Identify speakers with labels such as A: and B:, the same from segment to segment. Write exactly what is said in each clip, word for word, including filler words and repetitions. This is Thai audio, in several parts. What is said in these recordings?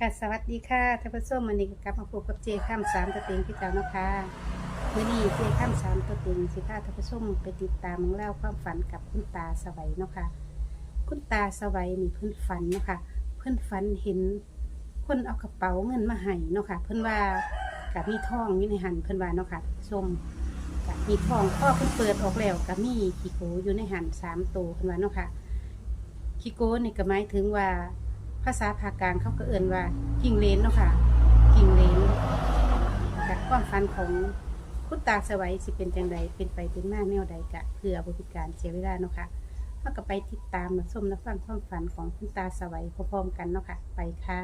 A: ค่ะสวัสดีค่ะท่านผู้ชมวันนี้ก็กลับมาพบกับเจข้ามสามตัวเต็งที่เก่าเนาะค่ะวันนี้เจข้ามสามตัวเต็งสิพาท่านผู้ชมไปติดตามเล่าความฝันกับคุณตาสวัยเนาะค่ะคุณตาสวัยนี่เพิ่นฝันเนาะค่ะเพิ่นฝันเห็นคนเอากระเป๋าเงินมาให้เนาะค่ะเพิ่นว่ากับมีทองอยู่ในหันเพิ่นว่าเนาะค่ะชมกับมีทองพ่อเพิ่นเปิดออกแล้วกับมีขี้โกอยู่ในหันสามตัวเพิ่นว่าเนาะค่ะขี้โกนี่ก็หมายถึงว่าภาษาภาคกลางเขาก็เอ่นว่ากิ่งเลนเนาะค่ะกิ่งเลนจากความฝันของคุณตาสวัยสิเป็นจังใดเป็นไปเป็นมาแนวใดกะเพื่อบริการเสียเวลาเนาะค่ะเราก็ไปติดตามมาชมและฟังความฝันของคุณตาสวัยพร้อมๆกันเนาะค่ะไปค่ะ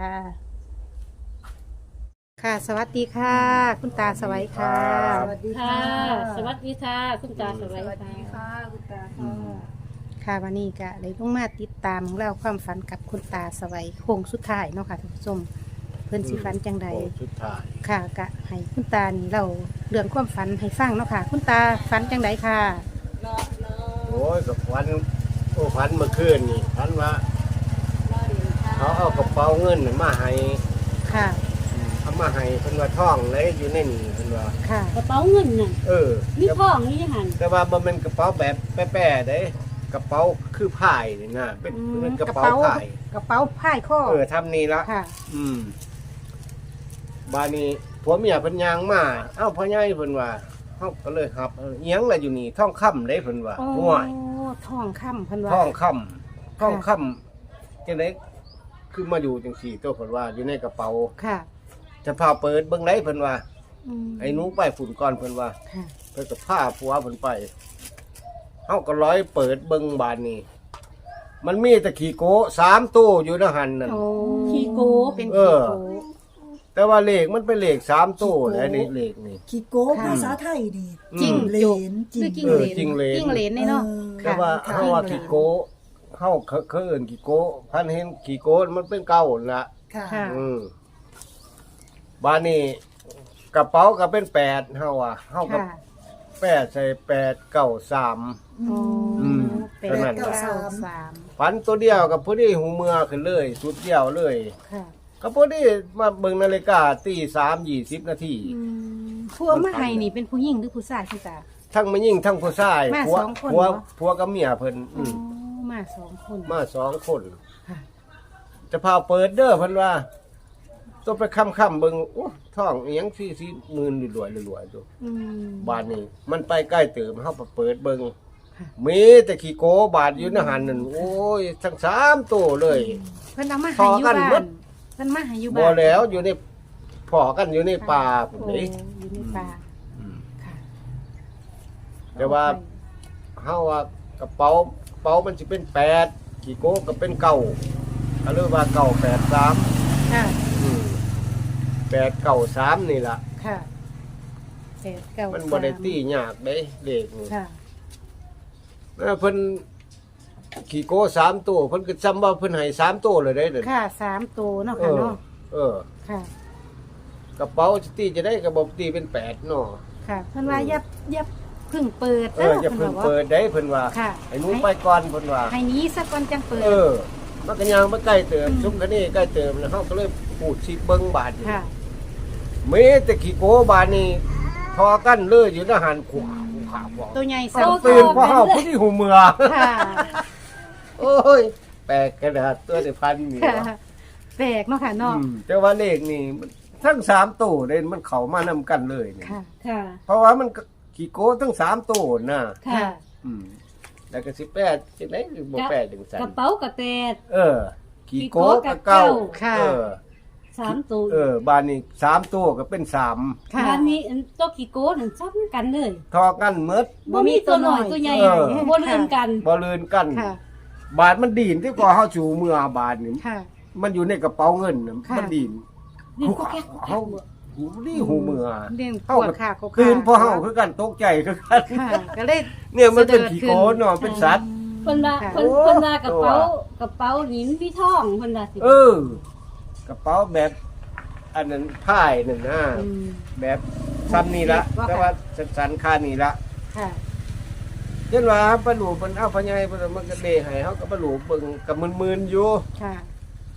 A: ค่ะสวัสดีค่ะ คุณตาสวัยค่ะ
B: สวัสดีค่ะ
C: สวัสดีค่ะคุณตาส
B: ส
C: วัย
B: วัสดี
C: ค่ะ
B: ค่ะคุณตาค่ะ
A: ค่ะวันนี้ก็เลยต้องมาติดตามเล่าความฝันกับคุณตาสวัยโค้งสุดท้ายเนาะค่ะท่านผู้ชมเพิ่นสิฝันจังใด
D: โอ้ชุดถ่าย
A: ค่ะกะให้คุณตานี่เราเรื่องความฝันให้ฟังเนาะค่ะ คุณตาฝันจังใดค่ะ
D: โอ้ยกับฟันโอ้ฟันเมื่อคืนนี่ฟันว่าเขาเอากระเป๋าเงินน่ะมาให้
A: ค่ะ
D: เอามาให้เพิ่นว่าท่องเลยอยู่ในนี่เพิ่นว่า
A: ค่ะ
C: กระเป๋าเงินน่ะ
D: เออ
C: มีทองนี่ยังหัน
D: แต่ว่าบ่แม่นกระเป๋าแบบแป้ๆเด้กระเป๋าคือผ้ายนี่นะเป็น
A: อืม
D: เป็นกระเป๋าผ้าย
A: กระเป๋าผ้ายข้อ
D: เออทำนี่ละ
A: ค่ะ
D: อืมบาดนี้ผัวเมียเพิ่นย่างมาเอ้าพ่อใหญ่เพิ่นว่าเฮาก็เลยครับเอออิหยังล่ะอยู่นี่ท่องค่ำเด้เพิ่นว่า
A: โอ้
D: ห่วย
A: ทองคำเพิ่นว่า
D: ท่องค่ำท่องค่ำจังได๋คือมาอยู่จังซี่ตัวเพิ่นว่าอยู่ในกระเป๋า
A: ค่ะ
D: จะพาเปิดเบิ่งไดเพิ่นว่า
A: อืม
D: ไอ้หนูไปฝุ่นก่อนเพิ่นว่า
A: ค่ะ
D: เพิ่นก็พาผัวเพิ่นไปเฮาก็ร้อยเปิดเบิ่งบานนี้ มันมีแต่ขี้โกสามตู้อยู่ในหันนั่น
A: โอ้
C: ขี้โก
A: เป็น
D: เอ
A: ขี้
D: อ
A: โก
D: แต่ว่าเลขมันเป็นเลขสามตู้แล้วนี่เลขนี่
B: ขี้โก้
A: ค่ะ
B: ภาษาไทยดี
A: จริง
B: เลนจริ
A: คือง จิ้ง
D: เอ
A: เหล
D: อน จิ้งเหลน
A: จิ้งเหลนนี่เนาะ
B: เออ
D: แต่ว่า
A: ค่ะ
D: เฮาว่าขี้โกเฮาเคเคยเอิ้นขี้โกพันเห็นขี้โกมันเป็นเก่าน่ะ
B: ค่ะ
A: ค่ะ
D: อืมบานนี้กระเป๋าก็เป็นแปดเฮาว่าเฮาก็
A: ค่ะ
D: แปดใส่แปดเก้าสาม
A: โอ้
D: อืม
A: เป็น
D: เท่านั้น
A: เก้าสาม
D: ฝันตัวเดียวกับพอดีหูเมือขึ้นเลยสุดเดียวเลย
A: ค่ะ
D: ก็พอดีมาเบิ่งนาฬิกาตีสามยี่สิบนาที
A: อืมผัวมาให้นี่เป็นผู้หญิงหรือผู้ชายคุณตา
D: ทั้งไม่ยิ่งทั้งผู้ชาย
A: มา
D: ผัว
A: สองคน
D: ผัว
A: เหรอ
D: ผัวกับเมียเพิ่น
A: อ๋
D: อื
A: อ
D: ม
A: มาสองคน
D: มาสองคน
A: ค่ะ
D: จะพาเปิดเด้อเพิ่นว่าต้องไปค่ำๆเบิ่งโอ้ท้องอีหยังสี่สิหมื่นรวยๆรวยๆตัว
A: อืม
D: บาดนี้ มันไปใกล้เติมเฮาไปเปิดเบิ่ง
A: ค่ะ
D: มีแต่ขี้โกบาดอยู่ในหันนั่นโอ้ยทั้งสามตัวเลย
A: เพิ่นเอามา
D: พ
A: ให้
D: อ
A: อยู่
D: กัน
A: บ้า
D: หม
A: น
D: ด
A: เพิ่นมาให้อยู่
D: บ่
A: บ้าน
D: แล้วอยู่ในพอกันอยู่ในป่าพุ่น
A: โอ้
D: เด้
A: อยู่ในป่า
D: อืม
A: ค่ะ
D: แต่ว่า เฮาว่ากระเป๋ากระเป๋ามันสิเป็นแปดกี่โกก็เป็นเก้าก็เรียกว่าเก้าแปดสาม
A: ค่ะ
D: อืมแปดเก้าสามนี่ล่ะ
A: ค่ะแปดเก้า
D: มัน
A: สา
D: บ่ได้ตียากเด้เลขนี่
A: ค่ะ
D: แล้วเพิ่นขี่โกสามตัวเพิ่นก็จำว่าเพิ่นให้สามตัวเลยเด้เด้อ
A: ค่ะสามตัวเนาะ
D: เอ
A: ค่ะ
D: อ
A: เนาะ
D: เออ
A: ค่ะ
D: กระเป๋าสิตีจะได้กระบอกตีเป็นแปดเนาะ
A: ค่ะเพิ่นว่าอย่าอย่าเพึ่งเปิด
D: เอออย่าเพิ่งเปิดได้เพิ่นว่า
A: ค่ะ
D: ให้หนูไปก่อนเพิ่นว่า
A: ให้หนี้สักก่อนจังเปิด
D: เออมันก็ยังบ่ใกล้เติม
A: อืม
D: ซุมกันนี่ใกล้เติมแล้วเฮาก็เลยพูดสิเบิ่งบาดนี่
A: ค่ะ
D: มีแต่ขี้โกบานนี่ทอกันเลยอยู่ในหันขวาขวาขวา
A: ตัวใหญ่
D: ต้
A: สา
D: อ
A: ม
D: งตื่นเพราะเฮาผู้ที่หูเมือ
A: ค่ะ
D: โอ้ย แปลกกระดาษตัวได้พันนี่
A: ค่ะ
D: วะ
A: แปลกเนาะค่ะเนาะ
D: อืมแต่ว่าเลขนี่มันทั้งสามตัวเลยมันเข้ามานำกันเลยนี่
A: ค่ะ
C: ค่ะ
D: เพราะว่ามันก็ขี้โกทั้งสามตัวน่ะ
C: ค่ะ
D: อืมแล้วก็สิแปดจังได๋บ่แปดถึงสัน
C: กระเป๋ากระแตด
D: เออขี้โกกับเก้า
A: ค่ะ
D: เออ
C: สามตัว
D: เออบานนี้สามตัวก็เป็นสาม
A: ค่ะ
C: บ้านนี้อันตัวขี้โก้นั่นซ้ำกันเลย
D: ทอกันหมด
C: บ่มีตัวหน่อยตัวใหญ่
D: เออ
C: บ่ลืมกัน
D: บ่ลืนกัน
A: ค่ะ
D: บาทมันดีนที่กว่าเฮาจูเมื่อบาทนี่
A: ค่ะ
D: มันอยู่ในกระเป๋าเงินน่ะ
A: ค่ะ
D: มันดีน
C: นี่ก็แค่
D: เฮาหูนี่หูเมื่อ
A: เรื่องป
D: เฮาว
A: ด
D: ก็
A: ขาก็
D: คืนพอเฮาคือกันตกใจคือกัน
A: ค่ะ ก็เลย
D: เนี่ยมันเป็นขี้โกนเนาะเป็นสัตว์
C: เพิ่นว่า
A: ค่ะ
C: เพิ่นเพิ่นว่ากระเป๋ากระเป๋าหินพี่ทองเพิ่นว่าสิ
D: เออ กระเป๋าแบบ อันนั้นผ้ายนั่นนะ
A: อืม
D: แบบซ้ำนี่ละ
A: ว่าค่ะ
D: แต่ว่าสันๆค่านี่ละ
A: ค่ะ
D: เช่นว่าปลาหลูเพิ่นเอาพญายเพิ่นมันก็เดให้เฮาก็ปลาหลูเบิ่งก็มึนๆอยู่
A: ค่ะ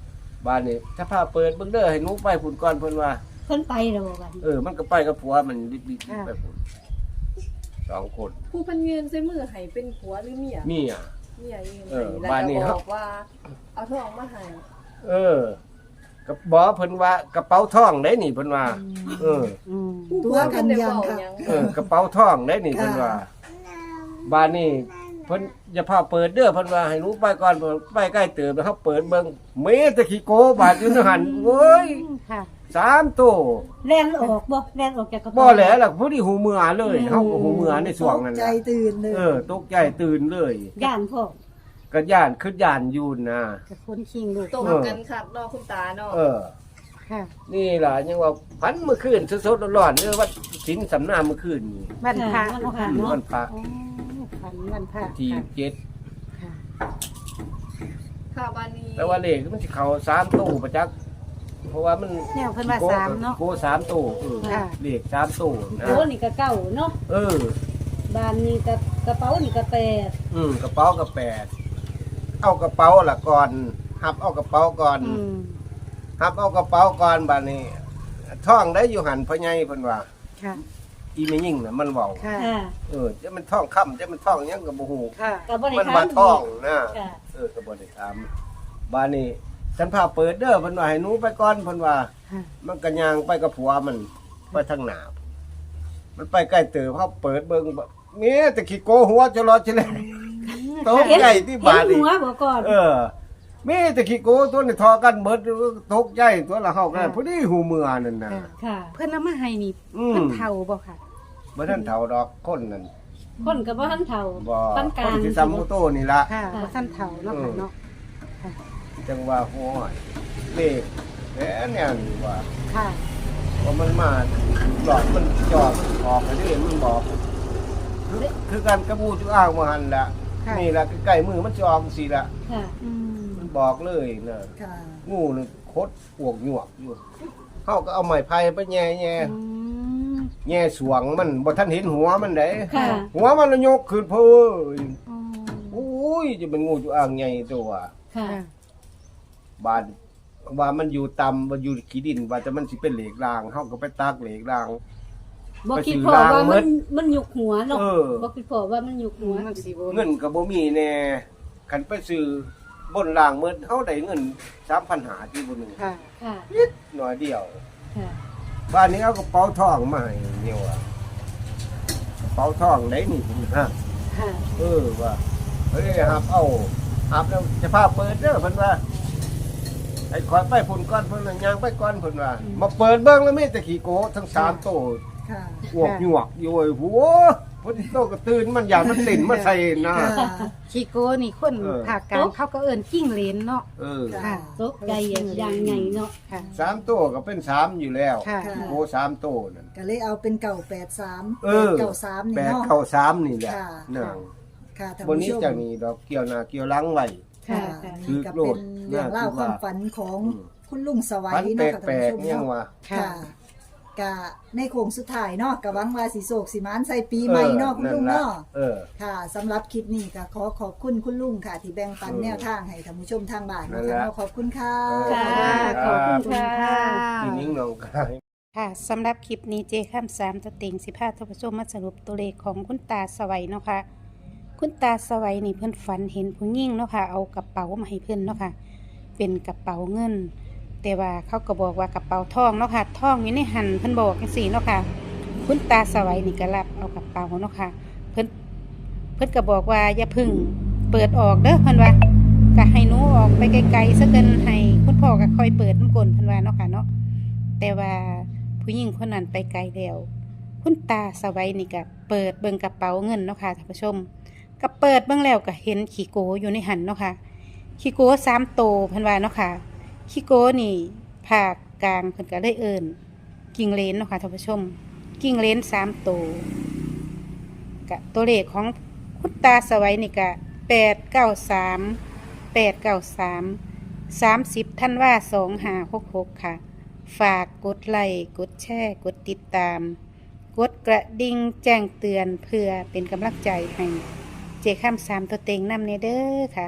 D: บ้านนี้ถ้าพาเปิดเบิ่งเด้อให้หนูไปพุ่นก่อนเพิ่นว่า
C: เพิ่นไปแล้วบ่กัน
D: เออมันก็ไปกับผัวมันดิบๆไปพุ่นสองคน
B: ผู้เพันเงินใส่มือให้เป็นผัวหรือเมีย
D: เมีย
B: เมียเอง
D: เออ
B: ให้แล้ว
D: บ้านนี้
B: ก็
D: ครับ
B: บอกว่าเอาทองมาให้
D: เออกับบอกเพิ่นว่ากระเป๋าทองได้นี่เพิ่นว่า เออ
A: อืม
B: ผู้ผัวเพิ่นได้เว้าหยัง
D: เออกระเป๋าทองได้นี่เพิ่นว่าบ้านนี้เพิ่นอย่าพาเปิดเด้อเพิ่นว่าให้หนูไปก่อนเพิ่นไปใกล้เติบแล้วเฮาเปิดเบิ่งเมตะขี้โกบาดอยู่ในหันโอ้ย
A: ค่ะ
D: สามตัว
C: แล่นออกบ่แล่นออกจากกระ
D: บ่
C: เป๋า
D: แหล้วล่ะผู้ที่หูเมือเลยเฮาก็หูเมือในช่วงนั้น
B: ตกใจ
D: น่ะ
B: ตื่นเลย
D: เออตกใจตื่นเลย
C: ย่านพ่อ
D: ก็ย่านขึ้นย่านอยู่นะ
A: กับคนคิงลูก
B: ตรงกันคักเนาะคุณตาเนาะ
D: เออ
A: ค่ะ
D: นี่ล่ะยังว่าพันเมื่อคืนสดๆร้อนๆเด้อว่าสินสำนาเมื่อคืนนี่
A: วันพระ
C: วัน
A: เนาะ
C: พระ
A: ค่ะ
C: เนาะ
D: วันพระ
A: อ๋อฝันวันพระ
D: ที่
A: ค่ะ
D: เจ็ด
A: ค่ะ
B: ค่ะบ้านนี้
D: แต่ว่าเลขมันสิเข้าสามตู้ประจักษ์เพราะว่ามัน
A: แนวเพิ่นว่าสามเนาะ
D: โกสามตู้เออ
A: ค่ะ
D: เลขสามตู้นะ
C: โอ้นี่ก็เก้าเนาะ
D: เออ
C: บ้านนี้ก็กระเป๋านี่ก็แปด
D: อืมกระเป๋าก็แปดเอากระเป๋าละก่อนหับเอากระเป๋าก่อน
A: อืม
D: หับเอากระเป๋าก่อนบัดนี้ท่องได้อยู่หันพ่อใหญ่เพิ่นว่า
A: ค่ะ
D: อีแม่ยิ่งน่ะมันเว้า
A: ค่ะ
C: ค่ะ
D: เออจะมันท่องค่ำจะมันท่องหยังก็บ่ฮู้
A: ค่ะ
C: ก็บ่ได้
D: มัน
C: ถา
D: ว่าม ท่องนะ
C: ค่ะ
D: เออก็บ่ได้ถามบัดนี้ฉันพาเปิดเด้อเพิ่นว่าให้หนูไปก่อนเพิ่นว่า
A: ค่ะ
D: มันก็ย่างไปกับผัวมันไปทางหน้ามันไปใกล้เติบเฮาเปิดเบิ่งบ่เมียแต่ขี้โกหัวจะรอจะเลยตกใจที่บาด
C: เห็น
D: นี่
C: หัวบ่ก่อน
D: เออมีแต่ขี้โกตัวนี่ทอกันเบิดตกใจตัวละเฮากันพอดีหูเมือนั่นน่ะ
A: ค่ะ
C: ค่ะ
A: เพิ่นเอามาให้นี่
D: อืม
A: เพิ่นเฒ่าบ่ค่ะ
D: บ่ทันเฒ่าดอกคนนั่น
C: คนก็บ่ทันเฒ่า
D: บ่
C: ปานก
D: ค
C: ลาน ง
D: ที่ซัมโมโตนี่ล่ะ
A: ค่ะบ่ทันเฒ่าเนาะค่ะเนาะ
D: จังว่าโอ้ยเลขแหนเนี่ยนี่ว่า
A: ค่ะ
D: ว่ามันมาหลอดมันจอดออกอันนี้มันบอก คือการกระบูจุอ้างมาหันละ
A: ค่ะ
D: นี่ละใกล้มือมันจะออกสิละ
C: ค่ะ
A: อืม
D: มันบอกเลยนะ
B: ค่ะ
D: งูนี่คดปวกหยวกอยู่เขาก็เอาไม้ไผ่ไปแย่แย่
A: อืม
D: แย่สวงมันบ่ทันเห็นหัวมันเด้
C: ค่ะ
D: หัวมันละยกขึ้นเพ้อ
A: อ๋อ
D: โอ้ยจะเป็นงูจุอ้างใหญ่ตัว
C: ค่ะ
A: ค่ะ
D: บ้านว่ามันอยู่ต่ำมันอยู่ขี้ดินว่าจะมันสิเป็นเหล็กรางเฮาก็ไปตักเหล็กราง
C: บ่คิด
D: ไปซื้อ
C: พอว่า
D: ล้างเบิ
C: มั
D: ด
C: นมันยุกหัวเนาะ
D: เออ
C: บ่คิดพอว่ามันยุกหัว
A: มันสิบ่
D: เงินก็บ่มีแน่คันไปซื้อบนรางเมื่อเฮาได้เงินสามพันหาที่บ่นึง
A: ค่ะ
C: ค่ะ
D: นิดหน่อยเดียว
C: ค่ะ
D: บ้านนี้เอากระเป๋าทองมาให้เนี่ยว่ะกระเป๋าทองได้นี่ฮะ
A: ค่ะ
D: เออว่าเฮ้ยหับเอาหับแล้วจะพาเปิดเด้อเพิ่นว่าไอ้ขอยไปพุ่นก่อนเพิ่นว่าย่างไปก่อนเพิ่นว่า มาเปิดเบิ่งแล้วมีแต่ขี้โกทั้งสามโต
B: ค่ะ
D: อวกหยวกอยู่โอ้ยหัวเพิ่นโตก็ตื่นมันอยากมันติ่นมาใส่หน้า
B: ค่ะ
A: ชิโกนี่คน
D: เออ
A: ภาคกลางเขาก็เอิ้นกิ้งเหลนเนาะ
D: เออ
B: ค่ะ
A: ค่ะ
C: ตกใจอย่างใหญ่เนาะ
A: ค่ะ
D: สามโตก็เป็นสามอยู่แล้ว
A: ค่ะ
D: ขี้โกสามโตนั่น
B: ก็เลยเอาเป็นเก่าแปดสาม
D: เออ
B: เก่าสามนี่
D: แปด
B: เนาะ
D: เข้าสามนี่แหละ
B: ค่ะ
D: นาง
B: ค่ะท่าน
D: บนนี้
B: ผู้ชม
D: จากนี้ดอกเกี่ยวหน้าเกี่ยวหลังไว้
B: ค่ะ
C: ค่ะ
B: นี่ก็เป็นเรื่องเล่าวความฝันของ
D: อืม
B: คุณลุงสวัย
D: พันแป
B: เนาะ
D: ลก
B: ค่ะ
D: แปล
B: ท่าน
D: ก
B: ผู้ชม
D: ยัง
B: เนาะ
D: ว่า
B: ค่ะกะในโค้งสุดท้ายเนาะกะหวังว่าสิโศกสิมานใส่ปีใหม่เนาะคุณลุงเนาะ
D: เออ
B: ค่ะสำหรับคลิปนี้ก็ขอขอบคุณคุณลุงค่ะ ที่แบ่งปัน
D: อืม
B: แนวทางให้ท่านผู้ชมทางบ้าน
D: นั่
B: นะ
D: นแห
B: คะ
D: ละ
B: เนาะขอบคุณค่ะ
C: ค่ะ
A: ขอบคุณค่ะ
D: ที่นิ้งน้องกาย
A: ค่ะสำหรับคลิปนี้เจข้ามสามตัวเต็งสิบห้าท่านผู้ชมมาสรุปตัวเลขของคุณตาสวัยเนาะค่ะ คุณตาสวัยนี่เพิ่นฝันเห็นผู้หญิงเนาะค่ะเอากระเป๋ามาให้เพิ่นเนาะค่ะ เป็นกระเป๋าเงิน แต่ว่าเขาก็บอกว่ากระเป๋าทองเนาะค่ะทองอยู่ในหันเพิ่นบอกจังซี่เนาะค่ะ คุณตาสวัยนี่ก็รับเอากระเป๋าเนาะค่ะ เพิ่นเพิ่นก็บอกว่าอย่าพึ่งเปิดออกเด้อเพิ่นว่าก็ให้หนูออกไปไกลๆซะเกินให้คุณพ่อก็คอยเปิดน้ำกลนเพิ่นว่าเนาะค่ะเนาะแต่ว่าผู้หญิงคนนั้นไปไกลแล้วคุณตาสวัยนี่ก็เปิดเบิ่งกระเป๋าเงินเนาะค่ะท่านผู้ชมก็เปิดเบิ่งแล้วก็เห็นขี้โกอยู่ในหันเนาะค่ะขี้โกสามโตวเพิ่นว่าเนาะค่ะขี้โกนี่ภาคกลางเพิ่นก็เลยเอิ้นกิ่งเลนเนาะค่ะท่านผู้ชมกิ่งเลนสามโตวกะตัวเลขของคุณตาสวัยนี่ก็แปดเก้าสามแปดเก้าสามสามสิบท่านว่าสองห้าหกหกค่ะ ฝากกดไลค์กดแชร์กดติดตาม กดกระดิ่งแจ้งเตือนเพื่อเป็นกำลังใจให้เจข้ามสามตัวเต็งนำเนเด้อค่ะ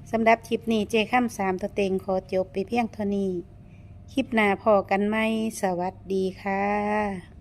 A: สำหรับคลิปนี้เจค่ำสามตัวเต็งขอจบไปเพียงเท่านี้ คลิปหน้าพอกันไหมสวัสดีค่ะ